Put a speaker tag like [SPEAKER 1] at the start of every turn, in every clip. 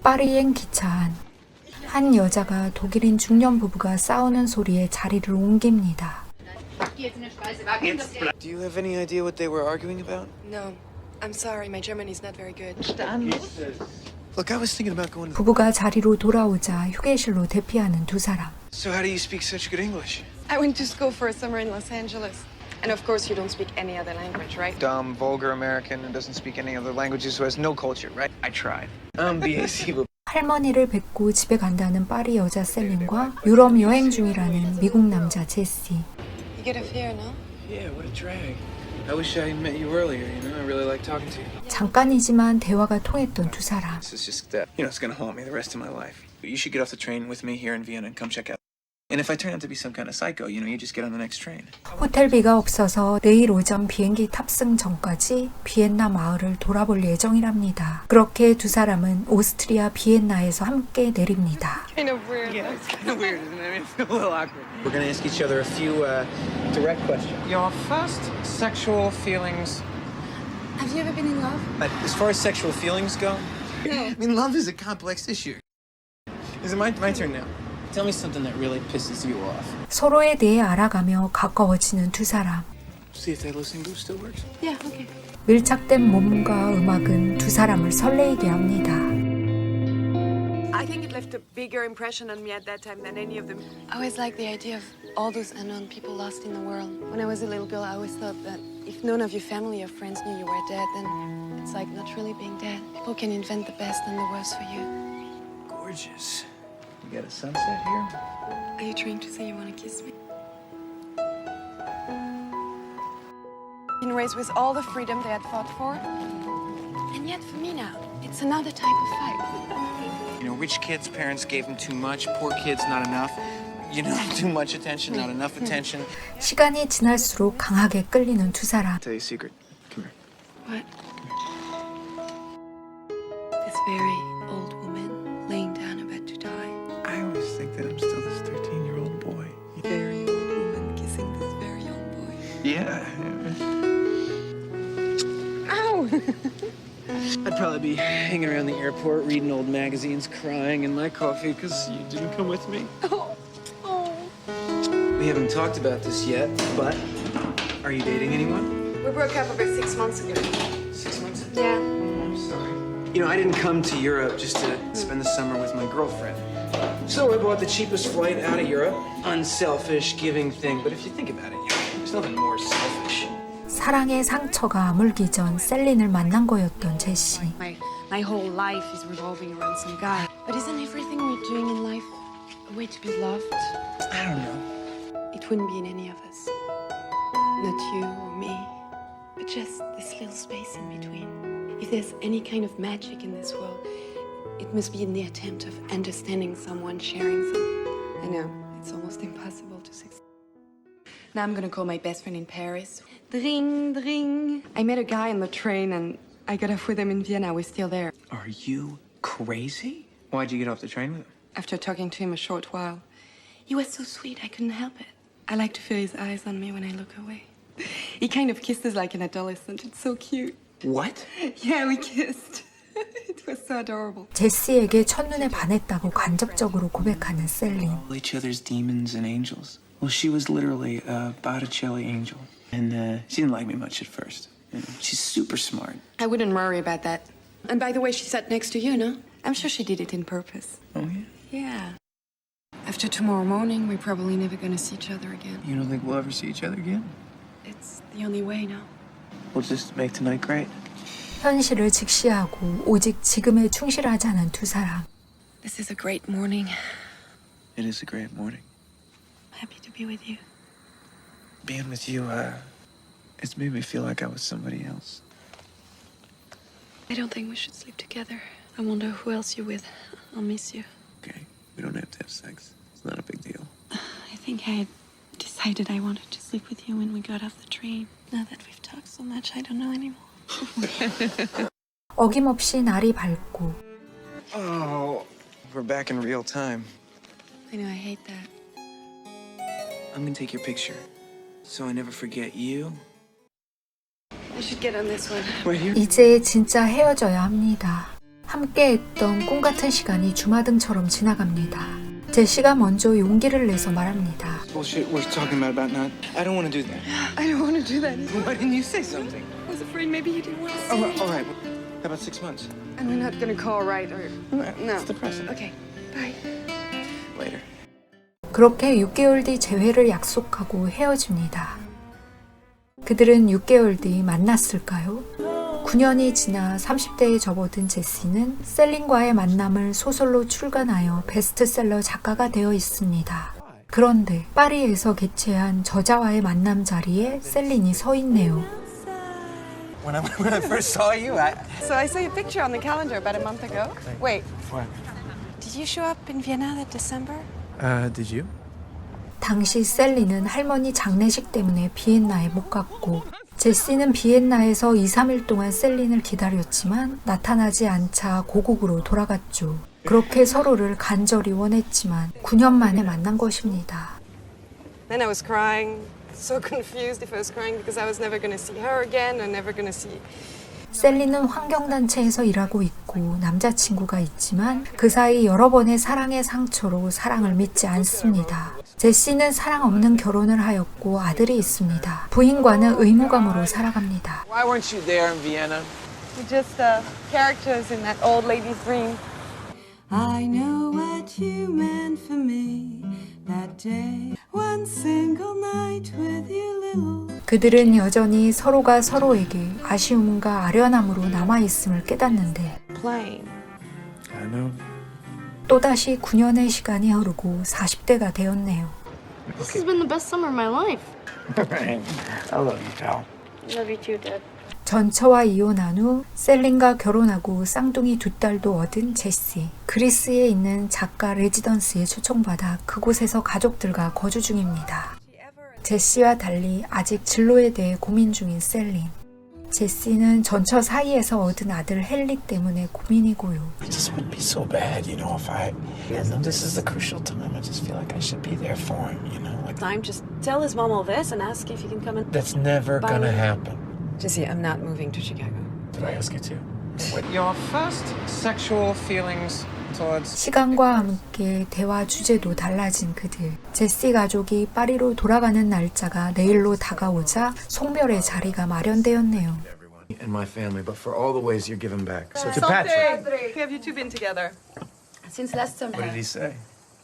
[SPEAKER 1] 파리행 기차 안. 한 여자가 독일인 중년 부부가 싸우는 소리에 자리를 옮깁니다.
[SPEAKER 2] Do you have any idea what they were arguing about?
[SPEAKER 3] No. I'm sorry, my German is not very good.
[SPEAKER 2] Look, I was thinking about going to...
[SPEAKER 1] 부부가 자리로 돌아오자 휴게실로 대피하는 두 사람.
[SPEAKER 2] So how do you speak such good English?
[SPEAKER 3] I went to school for a summer in Los Angeles. And of course you don't speak any other language, right?
[SPEAKER 2] Dumb, vulgar American who doesn't speak any other languages, who has no culture, right? I tried. BAC, but...
[SPEAKER 1] 할머니를 뵙고 집에 간다는 파리 여자 셀린과 유럽 여행 중이라는 미국 남자 제시.
[SPEAKER 3] You get a fear, no?
[SPEAKER 2] Yeah, what a drag. I wish I met you earlier, you know? I really like talking to you.
[SPEAKER 1] 잠깐이지만 대화가 통했던 두 사람.
[SPEAKER 2] This is just, it's gonna haunt me the rest of my life. You should get off the train with me here in Vienna and come check out. And if I turn out to be some kind of psycho, you just get on the next train.
[SPEAKER 1] 호텔비가 없어서 내일 오전 비행기 탑승 전까지 비엔나 마을을 돌아볼 예정이랍니다. 그렇게 두 사람은 오스트리아 비엔나에서 함께 내립니다.
[SPEAKER 3] Kind of weird.
[SPEAKER 2] Yeah, it's kind of weird, isn't it? I mean, it's a little awkward. We're gonna ask each other a few direct questions. Your first sexual feelings.
[SPEAKER 3] Have you ever been in love?
[SPEAKER 2] As far as sexual feelings go,
[SPEAKER 3] No.
[SPEAKER 2] I mean, love is a complex issue. Is it my turn now? Tell me something that really pisses you off.
[SPEAKER 1] 서로에 대해 알아가며 가까워지는 두 사람.
[SPEAKER 2] See if that listening booth still works.
[SPEAKER 3] Yeah, okay.
[SPEAKER 1] 밀착된 몸과 음악은 두 사람을 설레이게 합니다.
[SPEAKER 4] I think it left a bigger impression on me at that time than any of them.
[SPEAKER 3] I always liked the idea of all those unknown people lost in the world. When I was a little girl, I always thought that if none of your family or friends knew you were dead, then it's like not really being dead. People can invent the best and the worst for you.
[SPEAKER 2] Gorgeous. You got a sunset here?
[SPEAKER 3] Are you trying to say you want to kiss me? Been raised with all the freedom they had fought for. And yet for me now, it's another type of fight.
[SPEAKER 2] You know, rich kids' parents gave them too much, poor kids not enough. You know, too much attention, not enough attention.
[SPEAKER 1] 시간이 지날수록 강하게 끌리는 두 사람.
[SPEAKER 2] Tell you a secret. Come here.
[SPEAKER 3] What? This very old woman laying down about to die.
[SPEAKER 2] I always think that I'm still this 13-year-old boy.
[SPEAKER 3] Very old woman kissing this very young boy.
[SPEAKER 2] Yeah.
[SPEAKER 3] Ow!
[SPEAKER 2] I'd probably be hanging around the airport, reading old magazines, crying in my coffee because you didn't come with me.
[SPEAKER 3] Oh. Oh.
[SPEAKER 2] We haven't talked about this yet, but are you dating anyone?
[SPEAKER 4] We broke up about 6 months ago.
[SPEAKER 2] 6 months?
[SPEAKER 4] Yeah.
[SPEAKER 2] I'm sorry. You know, I didn't come to Europe just to spend the summer with my girlfriend. So I bought the cheapest flight out of Europe. Unselfish, giving thing. But if you think about it, there's nothing more selfish.
[SPEAKER 1] 사랑의 상처가 아물기 전 셀린을 만난 거였던 제시.
[SPEAKER 4] My whole life is revolving around some guy.
[SPEAKER 3] But isn't everything we're doing in life a way to be loved?
[SPEAKER 2] I don't know.
[SPEAKER 3] It wouldn't be in any of us. Not you or me, but just this little space in between. If there's any kind of magic in this world, it must be in the attempt of understanding someone, sharing some. I know, it's almost impossible to succeed. Now I'm gonna call my best friend in Paris. Dring, dring. I met a guy on the train and I got off with him in Vienna. We're still there.
[SPEAKER 2] Are you crazy? Why'd you get off the train with him?
[SPEAKER 3] After talking to him a short while, he was so sweet, I couldn't help it. I like to feel his eyes on me when I look away. He kind of kisses like an adolescent. It's so cute.
[SPEAKER 2] What?
[SPEAKER 3] Yeah, we kissed. It was so adorable.
[SPEAKER 1] 제시에게 첫눈에 반했다고 간접적으로 고백하는 셀린.
[SPEAKER 2] All each other's demons and angels. Well, she was literally a Botticelli angel. And she didn't like me much at first. You know, she's super smart.
[SPEAKER 3] I wouldn't worry about that. And by the way, she sat next to you, no? I'm sure she did it in purpose.
[SPEAKER 2] Oh, yeah?
[SPEAKER 3] Yeah. After tomorrow morning, we're probably never gonna see each other again.
[SPEAKER 2] You don't think we'll ever see each other again?
[SPEAKER 3] It's the only way now.
[SPEAKER 2] We'll just make tonight great.
[SPEAKER 1] 현실을 직시하고 오직 지금에 충실하자는 두 사람.
[SPEAKER 3] This is a great morning.
[SPEAKER 2] It is a great morning.
[SPEAKER 3] I'm happy to be with you.
[SPEAKER 2] Being with you, it's made me feel like I was somebody else.
[SPEAKER 3] I don't think we should sleep together. I wonder who else you're with. I'll miss you.
[SPEAKER 2] Okay, we don't have to have sex. It's not a big deal.
[SPEAKER 3] I think I decided I wanted to sleep with you when we got off the train. Now that we've talked so much, I don't know anymore.
[SPEAKER 1] 어김없이 날이 밝고
[SPEAKER 2] Oh, we're back in real time.
[SPEAKER 3] I know, I hate that.
[SPEAKER 2] I'm gonna take your picture, so I never forget you.
[SPEAKER 3] I should get on this one.
[SPEAKER 2] Right here.
[SPEAKER 1] 이제 진짜 헤어져야 합니다. 함께 했던 꿈 같은 시간이 주마등처럼 지나갑니다. 제시가 먼저 용기를 내서 말합니다.
[SPEAKER 2] Bullshit we're talking about not. I don't want to do that.
[SPEAKER 4] I don't want to do that either.
[SPEAKER 2] Why didn't you say something?
[SPEAKER 4] I was afraid maybe you didn't want to see me.
[SPEAKER 2] All right. How about 6 months?
[SPEAKER 4] And we're not gonna call right or no.
[SPEAKER 2] It's depressing.
[SPEAKER 4] Okay. Bye.
[SPEAKER 2] Later.
[SPEAKER 1] 그렇게 6개월 뒤 재회를 약속하고 헤어집니다. 그들은 6개월 뒤 만났을까요? 9년이 지나 30대에 접어든 제시는 셀린과의 만남을 소설로 출간하여 베스트셀러 작가가 되어 있습니다. 그런데 파리에서 개최한 저자와의 만남 자리에 셀린이 서 있네요.
[SPEAKER 2] When I first saw you,
[SPEAKER 4] So I saw your picture on the calendar about a month ago. Wait,
[SPEAKER 2] What?
[SPEAKER 4] did you show up in Vienna that December?
[SPEAKER 2] Did you?
[SPEAKER 1] 당시 셀린은 할머니 장례식 때문에 비엔나에 못 갔고 제시는 비엔나에서 2, 3일 동안 셀린을 기다렸지만 나타나지 않자 고국으로 돌아갔죠. 그렇게 서로를 간절히 원했지만 9년 만에 만난 것입니다.
[SPEAKER 4] Then I was crying, so confused if I was crying because I was never gonna see her again and never gonna see.
[SPEAKER 1] 셀린은 환경단체에서 일하고 있고 남자친구가 있지만 그 사이 여러 번의 사랑의 상처로 사랑을 믿지 않습니다. 제시는 사랑 없는 결혼을 하였고 아들이 있습니다. 부인과는 의무감으로 살아갑니다.
[SPEAKER 2] Why weren't you there in Vienna?
[SPEAKER 4] We're just characters in that old lady's dream.
[SPEAKER 5] I know what you meant for me that day. One single night with you, little.
[SPEAKER 1] 그들은 여전히 서로가 서로에게 아쉬움과 아련함으로 남아있음을 깨닫는데
[SPEAKER 4] Playing.
[SPEAKER 2] I know.
[SPEAKER 1] 또다시 9년의 시간이 흐르고 40대가 되었네요.
[SPEAKER 6] This has been the best summer of my life.
[SPEAKER 2] I love you, pal.
[SPEAKER 6] Love you too, Dad.
[SPEAKER 1] 전처와 이혼한 후 셀린과 결혼하고 쌍둥이 2딸도 얻은 제시. 그리스에 있는 작가 레지던스에 초청받아 그곳에서 가족들과 거주 중입니다. 제시와 달리 아직 진로에 대해 고민 중인 셀린. 제시는 전처 사이에서 얻은 아들 헨리 때문에 고민이고요.
[SPEAKER 7] It just wouldn't be so bad, you know, if I. And this is the crucial time. I just feel like I should be there for him, you know. Like
[SPEAKER 3] Time, just tell his mom all this and ask if he can come and.
[SPEAKER 7] that's never
[SPEAKER 3] Bye.
[SPEAKER 7] gonna happen.
[SPEAKER 3] Jesse, I'm not moving to Chicago.
[SPEAKER 7] Did I ask you to?
[SPEAKER 2] Your first sexual feelings towards.
[SPEAKER 1] 시간과 함께 대화 주제도 달라진 그들. 제시 가족이 파리로 돌아가는 날짜가 내일로 다가오자 송별의 자리가 마련되었네요.
[SPEAKER 7] And my family, but for all the ways you're giving back. So to
[SPEAKER 4] Patrick,
[SPEAKER 7] Patrick.
[SPEAKER 4] have you two been together?
[SPEAKER 3] Since last summer.
[SPEAKER 7] What did he say?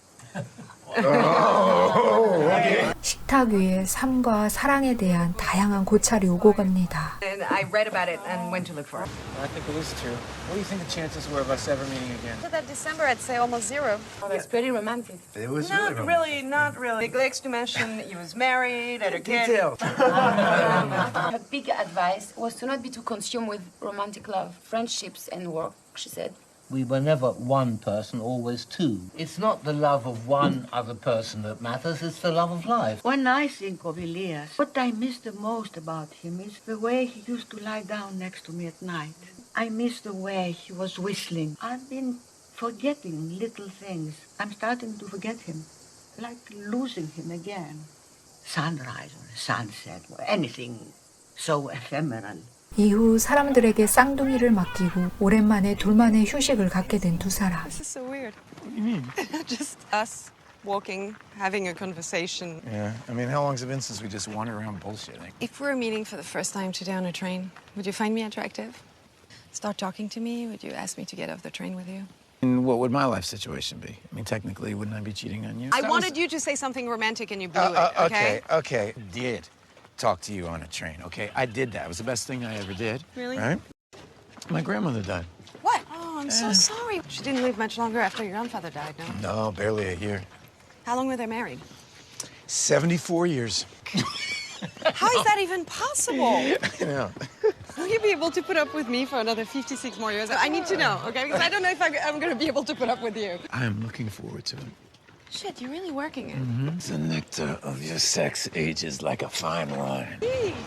[SPEAKER 1] 식탁 위에 삶과 사랑에 대한 다양한 고찰이 오고 갑니다.
[SPEAKER 3] And I read about it and went to look for her.
[SPEAKER 2] I think it was true. What do you think the chances were of us ever meeting again?
[SPEAKER 4] So that December, I'd say almost zero.
[SPEAKER 3] Oh, that's pretty romantic.
[SPEAKER 7] It was
[SPEAKER 4] Not really, not really. Neglects to mention he was married, had a kid.
[SPEAKER 7] detailed.
[SPEAKER 8] Her big advice was to not be too consumed with romantic love, friendships, and work, she said.
[SPEAKER 9] We were never one person, always two. It's not the love of one other person that matters, it's the love of life.
[SPEAKER 10] When I think of Elias, what I miss the most about him is the way he used to lie down next to me at night. I miss the way he was whistling. I've been forgetting little things. I'm starting to forget him, like losing him again. Sunrise or sunset or anything so ephemeral.
[SPEAKER 1] 이후 사람들에게 쌍둥이를 맡기고 오랜만에 둘만의 휴식을 갖게 된 두 사람.
[SPEAKER 4] This is so weird. What do you mean? Just us walking, having a conversation.
[SPEAKER 7] Yeah. I mean, how long's it been since we just wandered around bullshitting?
[SPEAKER 3] If we were meeting for the first time today on a train, would you find me attractive? Start talking to me? Would you ask me to get off the train with you?
[SPEAKER 7] And what would my life situation be? I mean, technically, wouldn't I be cheating on you?
[SPEAKER 4] I wanted you to say something romantic and you blew it, okay?
[SPEAKER 7] Okay. Did talk to you on a train, okay? I did that. It was the best thing I ever did.
[SPEAKER 4] Really?
[SPEAKER 7] Right? My grandmother died.
[SPEAKER 4] What? Oh, I'm so sorry. She didn't live much longer after your grandfather died, no?
[SPEAKER 7] No, barely a year.
[SPEAKER 4] How long were they married?
[SPEAKER 7] 74 years.
[SPEAKER 4] How is that even possible?
[SPEAKER 7] Yeah.
[SPEAKER 4] Will you be able to put up with me for another 56 more years? I need to know, okay? Because I don't know if I'm going to be able to put up with you.
[SPEAKER 7] I am looking forward to it.
[SPEAKER 3] Shit, you're really working it.
[SPEAKER 7] The nectar of your sex ages like a fine wine.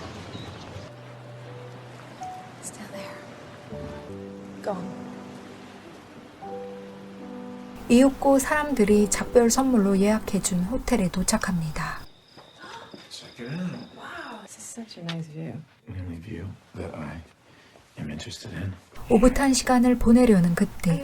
[SPEAKER 3] Still there. Gone.
[SPEAKER 1] 이윽고 사람들이 작별 선물로 예약해준 호텔에 도착합니다.
[SPEAKER 7] Check it out.
[SPEAKER 3] Wow, this is such a nice view.
[SPEAKER 7] The only view that I I'm interested in.
[SPEAKER 1] 오붓한 시간을 보내려는 그때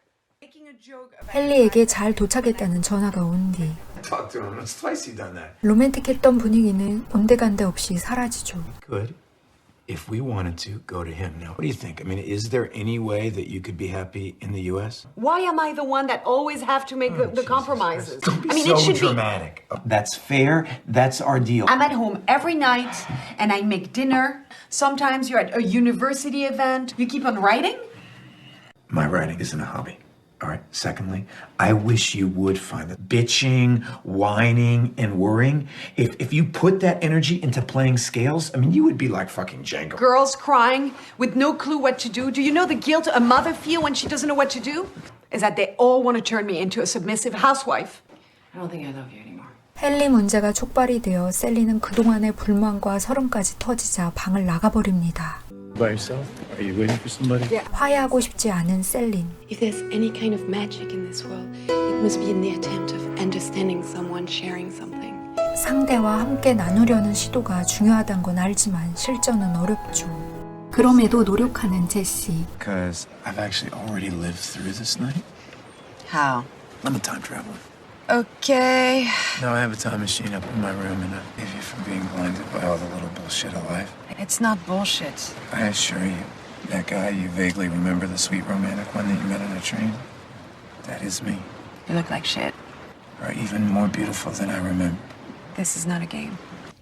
[SPEAKER 1] 헨리에게 잘 도착했다는 전화가 온 뒤
[SPEAKER 7] Talk to him. It's twice you've done that.
[SPEAKER 1] 로맨틱했던 분위기는 온데간데 없이 사라지죠.
[SPEAKER 7] Good. If we wanted to, go to him. Now, what do you think? I mean, is there any way that you could be happy in the U.S.?
[SPEAKER 4] Why am I the one that always have to make the compromises?
[SPEAKER 7] Don't be
[SPEAKER 4] I mean,
[SPEAKER 7] so
[SPEAKER 4] it should
[SPEAKER 7] dramatic. That's fair. That's our deal.
[SPEAKER 4] I'm at home every night and I make dinner. Sometimes you're at a university event. You keep on writing?
[SPEAKER 7] My writing isn't a hobby. All right. Secondly, I wish you would find the bitching, whining, and worrying. If you put that energy into playing scales, I mean, you would be like fucking Django.
[SPEAKER 4] Girls crying with no clue what to do. Do you know the guilt a mother feels when she doesn't know what to do? Is that they all want to turn me into a submissive housewife. I don't think I love you anymore.
[SPEAKER 1] 헨리 문제가 촉발이 되어 셀리는 그동안의 불만과 서름까지 터지자 방을 나가버립니다.
[SPEAKER 7] By yourself? Are you waiting for somebody?
[SPEAKER 1] 화해하고 싶지 않은 셀린.
[SPEAKER 3] If there's any kind of magic in this world, it must be in the attempt of understanding someone, sharing something.
[SPEAKER 1] 상대와 함께 나누려는 시도가 중요하단 건 알지만 실전은 어렵죠. 그럼에도 노력하는 제시.
[SPEAKER 7] Because I've actually already lived through this night.
[SPEAKER 4] How?
[SPEAKER 7] I'm a time traveler.
[SPEAKER 4] Okay.
[SPEAKER 7] Now I have a time machine up in my room and I save you from being blinded by all the little bullshit of life.
[SPEAKER 4] It's not bullshit.
[SPEAKER 7] I assure you, that guy you vaguely remember, the sweet romantic one that you met on a train, that is me.
[SPEAKER 4] You look like shit.
[SPEAKER 7] Or even more beautiful than I remember.
[SPEAKER 4] This is not a game.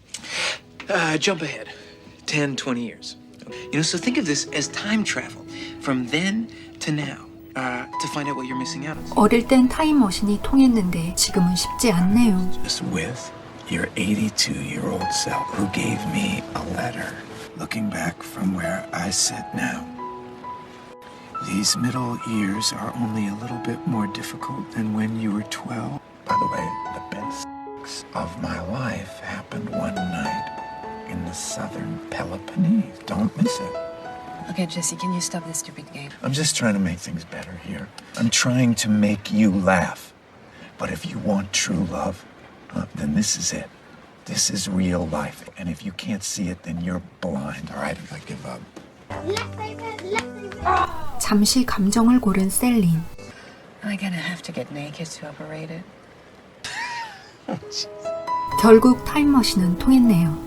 [SPEAKER 2] Jump ahead 10, 20 years. You know, so think of this as time travel from then to now. To find out what you're missing out on.
[SPEAKER 1] 어릴 땐 타임머신이 통했는데 지금은 쉽지 않네요.
[SPEAKER 7] Just with your 82-year-old self who gave me a letter. Looking back from where I sit now. These middle years are only a little bit more difficult than when you were 12. By the way, the best sex of my life happened one night in the southern Peloponnese. Don't miss it.
[SPEAKER 4] Okay, Jesse, can you stop this stupid game?
[SPEAKER 7] I'm just trying to make things better here. I'm trying to make you laugh. But if you want true love, then this is it. This is real life. And if you can't see it, then you're blind. All right? I give up.
[SPEAKER 1] 잠시 감정을 고른 셀린.
[SPEAKER 4] Am I gonna have to get naked to operate it?
[SPEAKER 1] 결국 타임머신은 통했네요.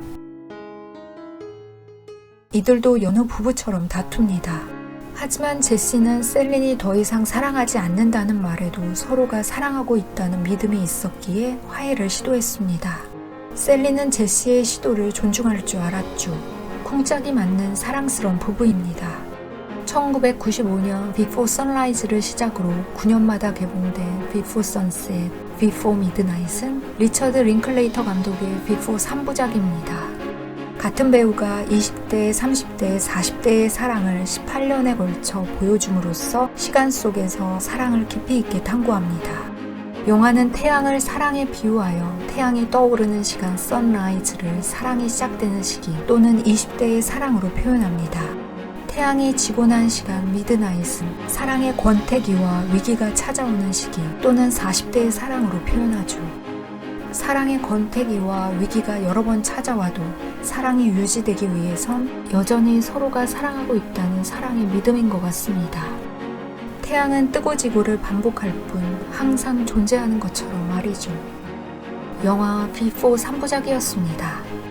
[SPEAKER 1] 이들도 여느 부부처럼 다툽니다. 하지만 제시는 셀린이 더 이상 사랑하지 않는다는 말에도 서로가 사랑하고 있다는 믿음이 있었기에 화해를 시도했습니다. 셀린은 제시의 시도를 존중할 줄 알았죠. 쿵짝이 맞는 사랑스러운 부부입니다. 1995년 Before Sunrise를 시작으로 9년마다 개봉된 Before Sunset, Before Midnight은 리처드 링클레이터 감독의 Before 3부작입니다. 같은 배우가 20대, 30대, 40대의 사랑을 18년에 걸쳐 보여줌으로써 시간 속에서 사랑을 깊이 있게 탐구합니다. 영화는 태양을 사랑에 비유하여 태양이 떠오르는 시간 선라이즈를 사랑이 시작되는 시기 또는 20대의 사랑으로 표현합니다. 태양이 지고 난 시간 미드나잇은 사랑의 권태기와 위기가 찾아오는 시기 또는 40대의 사랑으로 표현하죠. 사랑의 권태기와 위기가 여러 번 찾아와도 사랑이 유지되기 위해선 여전히 서로가 사랑하고 있다는 사랑의 믿음인 것 같습니다. 태양은 뜨고 지고를 반복할 뿐 항상 존재하는 것처럼 말이죠. 영화 Before 3부작이었습니다.